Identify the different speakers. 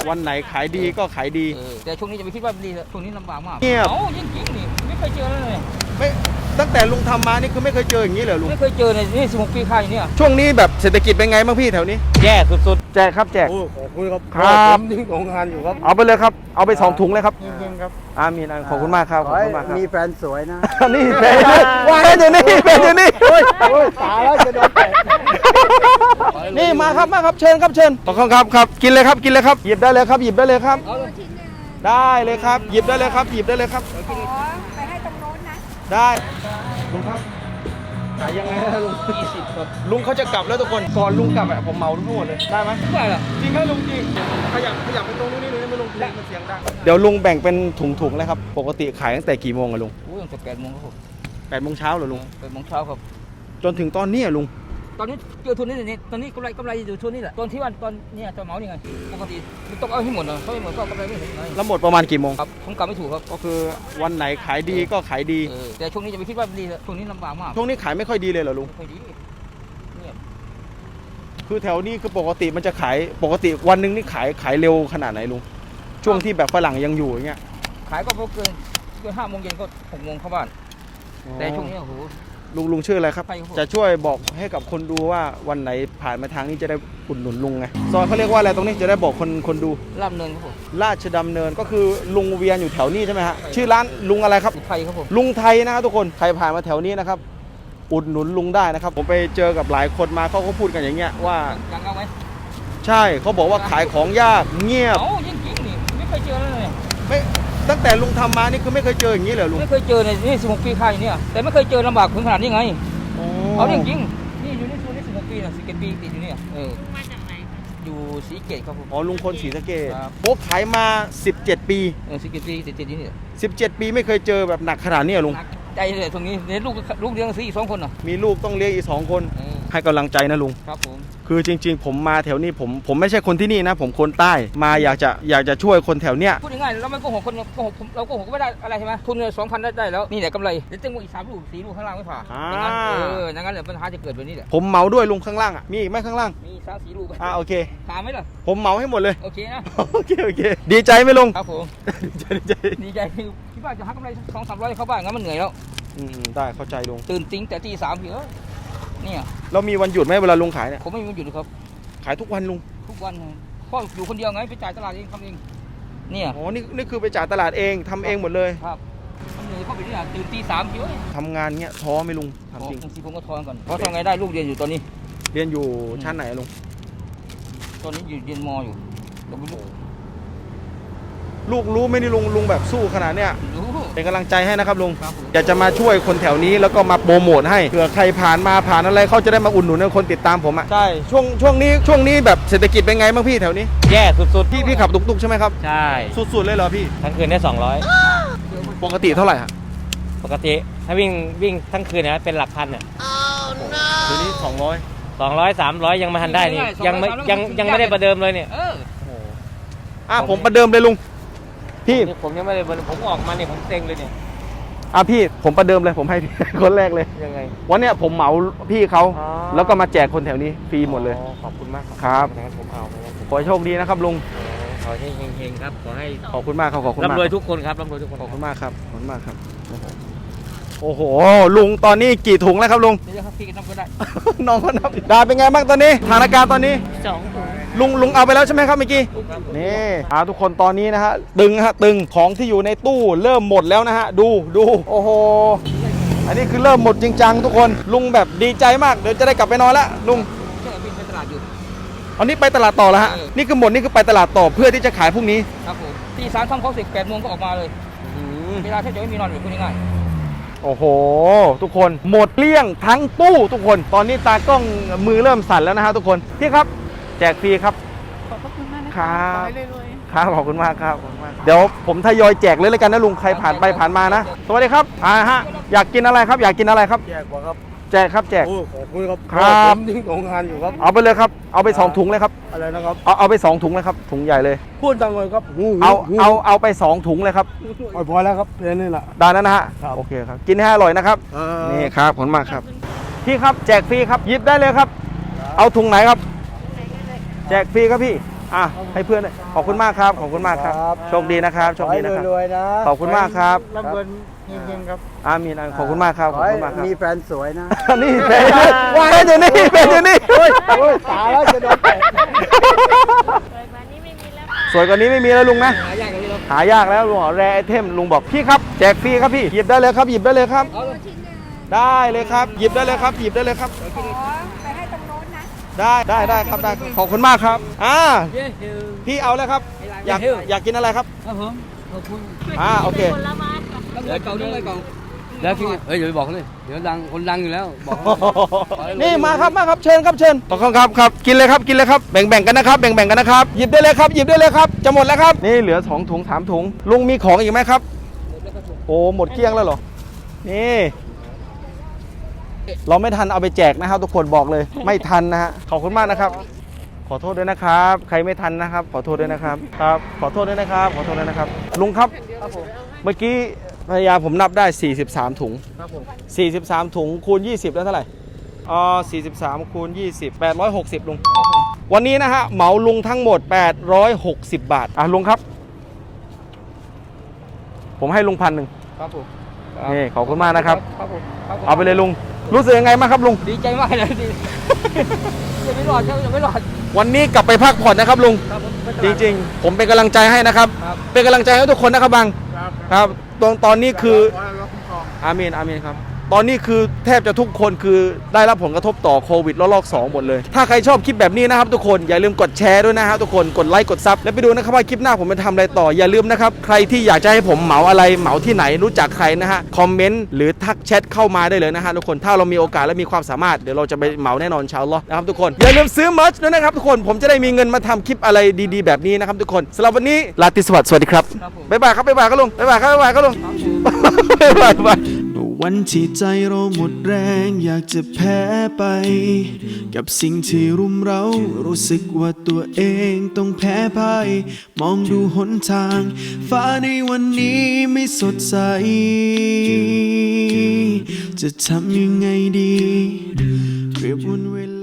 Speaker 1: วันไหนขายดีก็ขายดี
Speaker 2: แต่ช่วงนี้จะไม่คิดว่าดีช่วงนี้ลำบากมาก
Speaker 1: เงียบ
Speaker 2: จริงๆนี่ไม่เคยเจอเลย
Speaker 1: ไม่ตั้งแต่ลุงทำมานี่คือไม่เคยเจออย่างนี้เลยลุง
Speaker 2: ไม่เคยเจอในนี่16 ปีค่ายเนี่ย
Speaker 1: ช่วงนี้แบบเศรษฐกิจเป็นไงบ้างพี่แถวนี้
Speaker 3: แย่สุด
Speaker 1: ๆแจกครับแจก
Speaker 4: ขอบคุณครับ
Speaker 1: ครับ
Speaker 4: ยิ่งของงานอยู่ครับ
Speaker 1: เอาไปเลยครับเอาไป2 ถุงเลยครับ
Speaker 4: ยิ่งครับ
Speaker 1: อามีนขอบคุณมากครับขอบคุณมากครับ
Speaker 4: มีแฟนสวยนะ
Speaker 1: นี่แฟนอยู่นี่แฟนอยู่นี่
Speaker 4: ตายแล้วจะโดนแตะ
Speaker 1: นี่มาครับเชิญครับเชิญขอบคุณครับกินเลยครับกินเลยครับหยิบได้เลยครับหยิบได้เลยครับได้เลยครับหยิบได้เลยครับหยิบได้เลยครับ
Speaker 5: ไปให้ตรงโน้นนะ
Speaker 1: ได้ลุงครับขายยังไงนะลุง
Speaker 2: 20ครับ
Speaker 1: ลุงเขาจะกลับแล้วทุกคนก่อนลุงกลับผมเหมาทั้งหมดเลยได้ไหม
Speaker 2: ได้เหรอ
Speaker 1: จริงไหมลุงจริงขยับไปตรงนู้นนี่ไม่ลุงมันเสียงดังเดี๋ยวลุงแบ่งเป็นถุงๆเลยครับปกติขายตั้งแต่กี่โมงอะลุง
Speaker 2: ตั้งแต่8 โมงครับผม
Speaker 1: 8 โมงเช้าเหรอลุง
Speaker 2: 8 โมงเช้าครับ
Speaker 1: จนถึงตอนนี้ลุง
Speaker 2: ตอนนี้เจอทุนนี่ตอนนี้กำไรอยู่ทุนนี่แหละตอนที่วันตอนเนี่ยจะเหมานี่ไงปกติต้องเอาให้หมดเลยเพราะไม่หมดก็กำไรไม่เห็นไง
Speaker 1: แล้วหมดประมาณกี่โมง
Speaker 2: ครับผมกลับไม่ถูกครับ
Speaker 1: ก็คือวันไหนขายดีก็ขายดี
Speaker 2: แต่ช่วงนี้จะไม่คิดว่าดีช่วงนี้ลำบากมาก
Speaker 1: ช่วงนี้ขายไม่ค่อยดีเลยเหรอลุง
Speaker 2: ไม่ดีเนี่ย
Speaker 1: คือแถวนี้คือปกติมันจะขายปกติวันนึงนี่ขายเร็วขนาดไหนลุงช่วงที่แบบฝรั่งยังอยู่อย่างเงี้ย
Speaker 2: ขายก็เกิน5 โมงเย็นก็6 โมงเข้าบ้านแต่ช่วงนี้โอ้โห
Speaker 1: ลุงชื่ออะไรครับจะช่วยบอกให้กับคนดูว่าวันไหนผ่านมาทางนี้จะได้อุดหนุนลุงไงซอยเขาเรียกว่าอะไรตรงนี้จะได้บอกคนดู
Speaker 2: ลาดเนินครับผม
Speaker 1: ราชดำเนินก็คือลุงเวียนอยู่แถวนี้ใช่ไหมฮะชื่อร้านลุงอะไรครับ
Speaker 2: ไทยครับผม
Speaker 1: ลุงไทยนะครับทุกคนใครผ่านมาแถวนี้นะครับอุดหนุนลุงได้นะครับผมไปเจอกับหลายคนมาเขาก็พูดกันอย่างเงี้ยว่า
Speaker 2: ยังเอาไหม
Speaker 1: ใช่เขาบอกว่าขายของยากเงียบ
Speaker 2: จริงๆนี่ไม่เคยเจอเลย
Speaker 1: ไม่ตั้งแต่ลุงทำมานี่คือไม่เคยเจออย่างนี้เลยลุง
Speaker 2: ไม่เคยเจอในนี่16 ปีค่ายเนี่ยแต่ไม่เคยเจอลำบากถึงขนาดนี้ไงเอาจริงๆนี่อยู่ในช่วงนี้16 ปีนะ17 ปีติดอยู่เนี่ย
Speaker 5: มาจากไหน
Speaker 2: อยู่ศรีเกตครับผม
Speaker 1: ลุงคนศรีสะเกษโป๊กขายมา17 ปี
Speaker 2: 17 ปีติดอยู่นี่
Speaker 1: 17 ปีไม่เคยเจอแบบหนักขนาดนี้ลุง
Speaker 2: ใจเลยตรงนี้เนี่ยลูกเลี้ยง4 2 คน
Speaker 1: มีลูกต้องเลี้ยงอีก2 คนให้กำลังใจนะลุง
Speaker 2: ครับผม
Speaker 1: คือจริงๆผมมาแถวนี้ผมไม่ใช่คนที่นี่นะผมคนใต้มาอยากจะช่วยคนแถวเนี้ย
Speaker 2: พูดง่ายๆเราไม่โกหกคนโกหกเราโกหกก็ไม่ได้อะไรใช่ไหมทุนเนี่ย2,000ได้แล้วนี่แหละกำไรเดี๋ยวตึงอีก3 ลูก 4 ลูกข้างล่างไม่ผ่าอย่างนั้นอย่างนั้นแหละปัญหาจะเกิดแบบนี้แหละ
Speaker 1: ผมเหมาด้วยลุงข้างล่างอ่ะมีอีกไหมข้างล่าง
Speaker 2: มี3-4 ลูก
Speaker 1: โอเค
Speaker 2: ผ่าไหมล่ะ
Speaker 1: ผมเหมาให้หมดเลย
Speaker 2: โอเคนะ
Speaker 1: โอเคดีใจไหมลุง
Speaker 2: ครับผมดีใจคือคิดว่าจะหากำไร200-300เข้าบ้านงั้นมันเหนื่อยแล้ว
Speaker 1: ได้เข้าใจลุง
Speaker 2: ตื่นติ้งแต่ตี 3เหรอเนี่ย
Speaker 1: เรามีวันหยุดไหมเวลาลุงขายเนี่ย
Speaker 2: ผมไม่มีวันหยุดครับ
Speaker 1: ขายทุกวันลุง
Speaker 2: ทุกวันพ่ออยู่คนเดียวไงไปจ่ายตลาดเองทำเองเนี่ย
Speaker 1: นี่คือไปจ่ายตลาดเองทำเองหมดเลย
Speaker 2: ครับมันเหนื่อยเข้าไปนี่ตื่นตี 3เยอะ
Speaker 1: ทำงานเงี้ยท้อไหมลุง
Speaker 2: ทำจริงผมก็ท้อก่อนเพราะทำไงได้ลูกเรียนอยู่ตอนนี้
Speaker 1: เรียนอยู่ชั้นไหนลุง
Speaker 2: ตอนนี้อยู่เรียนม.อยู่
Speaker 1: ลูกรู้ไหมนี่ลุงแบบสู้ขนาดเนี้ยเป็นกำลังใจให้นะครับลุงอยากจะมาช่วยคนแถวนี้แล้วก็มาโปรโมทให้เผื่อใครผ่านอะไรเขาจะได้มาอุดหนุนคนติดตามผมอ่ะใช่ช่วงนี้แบบเศรษฐกิจเป็นไงบ้างพี่แถวนี้
Speaker 3: แย่สุด
Speaker 1: ๆพี่ขับตุกๆใช่ไหมครับ
Speaker 3: ใช่
Speaker 1: สุดๆเลยเหรอพี่
Speaker 3: ทั้งคืนได้
Speaker 1: 200ปกติเท่าไหร่ฮะ
Speaker 3: ปกติถ้าวิ่งทั้งคืนเนี่ยเป็นหลักพันเนี่ย
Speaker 1: เดี๋ยวนี้
Speaker 3: 200-300ยังไม่ทันได้นี่ยังไม่ได้ประเดิมเลยเนี่ย
Speaker 1: ผมประเดิมเลยลุงพี่
Speaker 3: ผมยังไม่ได้ผมออกมาเนี่ยผมเซ็งเลยเนี่ย
Speaker 1: พี่ผมประเดิมเลยผมให้คนแรกเลย
Speaker 3: ยังไง
Speaker 1: วันเนี้ยผมเหมาพี่เขาแล้วก็มาแจกคนแถวนี้ฟรีหมดเลย
Speaker 3: ขอบคุณมาก
Speaker 1: ครับ
Speaker 3: ผมเอา
Speaker 1: ขอให้โชคดีนะครับลุง
Speaker 3: ขอให้เฮงๆครับขอให้
Speaker 1: ขอบคุณมากครับขอบคุณมาก
Speaker 3: ร่ำรวยทุกคนครับร่ำรวยทุกคน
Speaker 1: ขอบคุณมากครับขอบคุณมากครับโอ้โหลุงตอนนี้กี่ถุงแล้วครับลุง
Speaker 2: นี่ครับพี่นับก็ได้
Speaker 1: น้องก็นับได้เป็นไงบ้างตอนนี้สถานการณ์ตอนนี้
Speaker 5: 2 ถุง
Speaker 1: ลุงเอาไปแล้วใช่ไหมครับเมื่อกี้นี่ทุกคนตอนนี้นะฮะตึงของที่อยู่ในตู้เริ่มหมดแล้วนะฮะดูโอ้โหอันนี้คือเริ่มหมดจริงจังทุกคนลุงแบบดีใจมากเดี๋ยวจะได้กลับไปนอนแล้วลุง
Speaker 2: ไปตลาดอยู่
Speaker 1: อันนี้ไปตลาดต่อแล้วฮะนี่คือหมดนี่คือไปตลาดต่อเพื่อที่จะขายพรุ่งนี้
Speaker 2: ครับผมตี 3ทำเขาเสร็จ8 โมงก็ออกมาเลยเวลาแทบจะไม่มีนอนอยู่พูดง่าย
Speaker 1: โอ้โหทุกคนหมดเกลี้ยงทั้งตู้ทุกคนตอนนี้ตากล้องมือเริ่มสั่นแล้วนะฮะทุกคนพี่ครับแจกฟรีครับ
Speaker 5: ขอบคุณมากนะครับ
Speaker 1: ครับขอบคุณมากครับเดี๋ยวผมทยอยแจกเลยแล้วกันนะลุงใครผ่านไปผ่านมานะสวัสดีครับอยากกินอะไรครับอยากกินอะไรครับ
Speaker 4: แจกกว่าครับ
Speaker 1: แจกครับแจก
Speaker 4: ขอบคุณครับยิ่งของงานอยู่ครับ
Speaker 1: เอาไปเลยครับเอาไป2 ถุงเลยครับ
Speaker 4: อะไรนะครับ
Speaker 1: เอาไป2 ถุงเลยครับถุงใหญ่เลย
Speaker 4: พูดดังเลยครับ
Speaker 1: เอาไป2 ถุงเลยครับ
Speaker 4: พอแล้วครับเพลนี่แหละ
Speaker 1: ได้แล้วนะฮะโอเคครับกินให้อร่อยนะครับนี่ครับขอบคุณมากครับพี่ครับแจกฟรีครับหยิบได้เลยครับเอาถุงไหนครับแจกฟรีครับพี่อ่ะให้เพื่อนด้วยขอบคุณมากครับขอบคุณมากครับ
Speaker 4: ครับ
Speaker 1: โชคดีนะครับโชคดีนะครับ
Speaker 4: รวยๆนะ
Speaker 1: ขอบคุณมากครับ
Speaker 4: ร่ำรวยเฮงๆครับ
Speaker 1: อามีนขอบคุณมากครับขอบคุณมากครับ
Speaker 4: มีแฟนสวยนะ
Speaker 1: นี่เป็นอยู่นี่เป็นอยู่นี่
Speaker 4: โอ้ยตายแล้วจะโดนแตะ
Speaker 1: สวยกว่านี้ไม่มีแล้วลุงนะ
Speaker 2: หายากอย่างนี้เรา
Speaker 1: หายากแล้วลุงแรไอเทมลุงบอกพี่ครับแจกฟรีครับพี่หยิบได้เลยครับหยิบได้เลยครับ
Speaker 2: เอาเลย
Speaker 1: ได้เลยครับหยิบได้เลยครับหยิบได้เลยครับ
Speaker 5: ขอไปให้ตรงโน้นนะ
Speaker 1: ได้ครับได้ขอบคุณมากครับ
Speaker 2: เย้
Speaker 1: พี่เอาเลยครับอยากกินอะไรครับ
Speaker 2: ครับผมขอบคุณ
Speaker 1: โอเค
Speaker 2: เดี๋ยวเก่าเดี๋ยวเก่าแล้วพี่เดี๋ยวบอกเลยเดี๋ยวดังคนดังอยู่แล้วบอก
Speaker 1: นี่มาครับเชิญครับเชิญขอบคุณครับกินเลยครับกินเลยครับแบ่งกันนะครับแบ่งกันนะครับหยิบได้เลยครับหยิบได้เลยครับจะหมดแล้วครับนี่เหลือ2 ถุง 3 ถุงลุงมีของอีกไหมครับโอ้หมดเกลี้ยงแล้วเหรอนี่เราไม่ทันเอาไปแจกนะครับทุกคนบอกเลยไม่ทันนะฮะขอบคุณมากนะครับขอโทษด้วยนะครับใครไม่ทันนะครับขอโทษด้วยนะครับครับขอโทษด้วยนะครับขอโทษด้วยนะครับลุงครับเมื่อกี้ภรรยาผมนับได้43 ถุง43 ถุงคูณ20แล้วเท่าไหร่43คูณ20 860ลุงวันนี้นะฮะเหมาลุงทั้งหมด860 บาทลุงครับผมให้ลุง1,000
Speaker 2: ครับผม
Speaker 1: นี่ขอบคุณมากนะครับ
Speaker 2: ครับผม
Speaker 1: เอาไปเลยลุงรู้สึกยังไงบ้างครับลุง
Speaker 2: ดีใจมากเลยดีจะไม่รอดจะไม่รอด
Speaker 1: วันนี้กลับไปพักผ่อนนะครับลุง
Speaker 2: ครับผม
Speaker 1: จริงๆผมเป็นกำลังใจให้นะครับ
Speaker 2: ครับ
Speaker 1: เป็นกำลังใจให้ทุกคนนะครับบังครับตอนนี้คืออาเมนครับตอนนี้คือแทบจะทุกคนคือได้รับผลกระทบต่อโควิดระลอก2หมดเลยถ้าใครชอบคลิปแบบนี้นะครับทุกคนอย่าลืมกดแชร์ด้วยนะฮะทุกคนกดไลค์กดซับแล้วไปดูนะครับว่าคลิปหน้าผมจะทำอะไรต่ออย่าลืมนะครับใครที่อยากจะให้ผมเหมาอะไรเหมาที่ไหนรู้จักใครนะฮะคอมเมนต์หรือทักแชทเข้ามาได้เลยนะฮะทุกคนถ้าเรามีโอกาสและมีความสามารถเดี๋ยวเราจะไปเหมาแน่นอนอินชาอัลลอฮ์นะครับทุกคนอย่าลืมซื้อเมอร์ชด้วยนะครับทุกคนผมจะได้มีเงินมาทำคลิปอะไรดีๆแบบนี้นะครับทุกคนสำหรับวันนี้ลาติสวัสดีครับบ๊ายบายครับลุงบ๊ายบายครับลุงบ๊ายบาย
Speaker 6: วันที่ใจเราหมดแรงอยากจะแพ้ไป กับสิ่งที่รุมเร้ารู้สึกว่าตัวเองต้องแพ้พ่ายมองดูหนทาง ฟ้าในวันนี้ไม่สดใส จะทำยังไงดีเปรียบวันเวลา